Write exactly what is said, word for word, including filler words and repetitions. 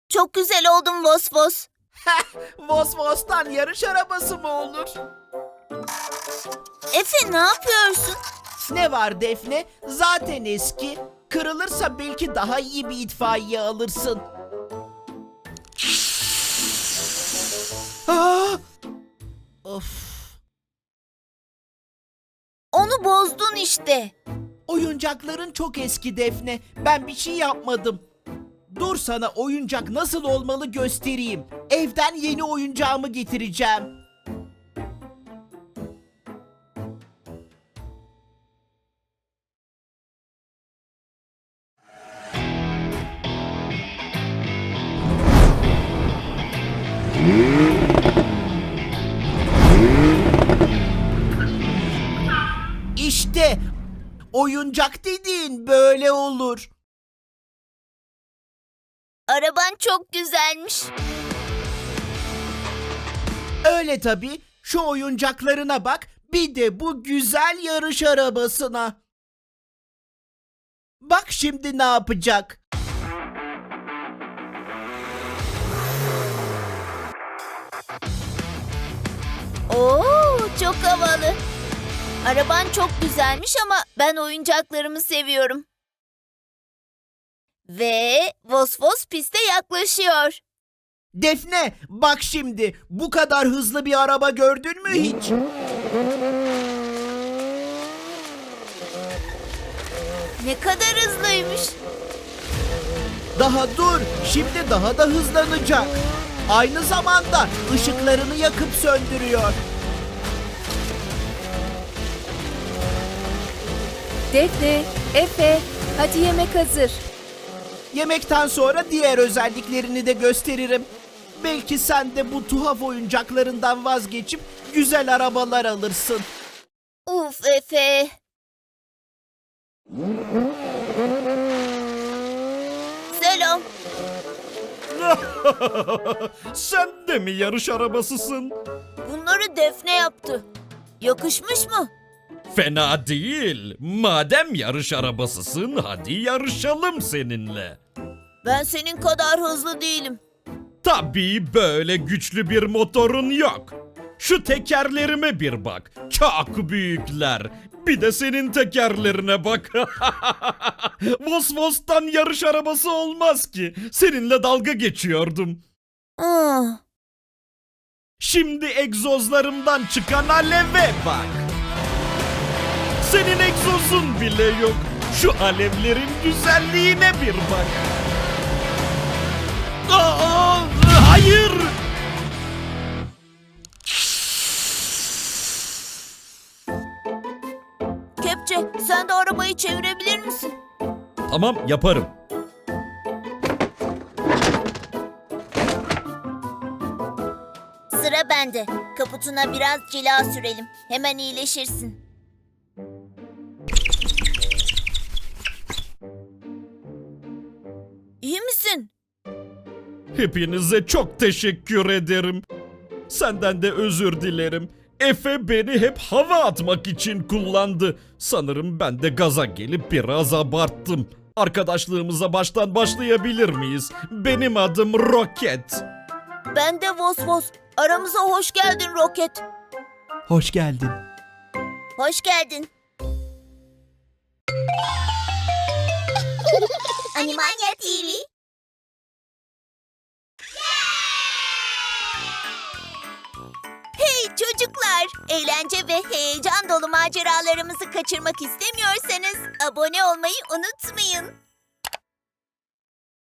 Çok güzel oldun Vos Vos. Vos Vos'tan yarış arabası mı olur? Efe ne yapıyorsun? Ne var Defne? Zaten eski. Kırılırsa belki daha iyi bir itfaiye alırsın. Aa! Of. Onu bozdun işte. Oyuncakların çok eski Defne. Ben bir şey yapmadım. Dur sana oyuncak nasıl olmalı göstereyim. Evden yeni oyuncağımı getireceğim. İşte oyuncak dediğin böyle olur. Araban çok güzelmiş. Öyle tabii. Şu oyuncaklarına bak. Bir de bu güzel yarış arabasına. Bak şimdi ne yapacak? Oo, çok havalı. Araban çok güzelmiş ama ben oyuncaklarımı seviyorum. Ve Vos Vos piste yaklaşıyor. Defne, bak şimdi. Bu kadar hızlı bir araba gördün mü hiç? Ne kadar hızlıymış. Daha dur. Şimdi daha da hızlanacak. Aynı zamanda ışıklarını yakıp söndürüyor. Defne, Efe, hadi yemek hazır. Yemekten sonra diğer özelliklerini de gösteririm. Belki sen de bu tuhaf oyuncaklarından vazgeçip güzel arabalar alırsın. Uf Efe. Selam. Sen de mi yarış arabasısın? Bunları Defne yaptı. Yakışmış mı? Fena değil. Madem yarış arabasısın, hadi yarışalım seninle. Ben senin kadar hızlı değilim. Tabii böyle güçlü bir motorun yok. Şu tekerlerime bir bak. Çok büyükler. Bir de senin tekerlerine bak. Vos Vos'tan yarış arabası olmaz ki. Seninle dalga geçiyordum. Ah, Şimdi egzozlarımdan çıkan aleve bak. Senin egzozun bile yok. Şu alevlerin güzelliğine bir bak. Aa, hayır. Kepçe, sen de arabayı çevirebilir misin? Tamam, yaparım. Sıra bende. Kaputuna biraz cila sürelim. Hemen iyileşirsin. İyi misin? Hepinize çok teşekkür ederim. Senden de özür dilerim. Efe beni hep hava atmak için kullandı. Sanırım ben de gaza gelip biraz abarttım. Arkadaşlığımıza baştan başlayabilir miyiz? Benim adım Roket. Ben de Vos Vos. Aramıza hoş geldin Roket. Hoş geldin. Hoş geldin. Animania T V. Hey çocuklar! Eğlence ve heyecan dolu maceralarımızı kaçırmak istemiyorsanız abone olmayı unutmayın.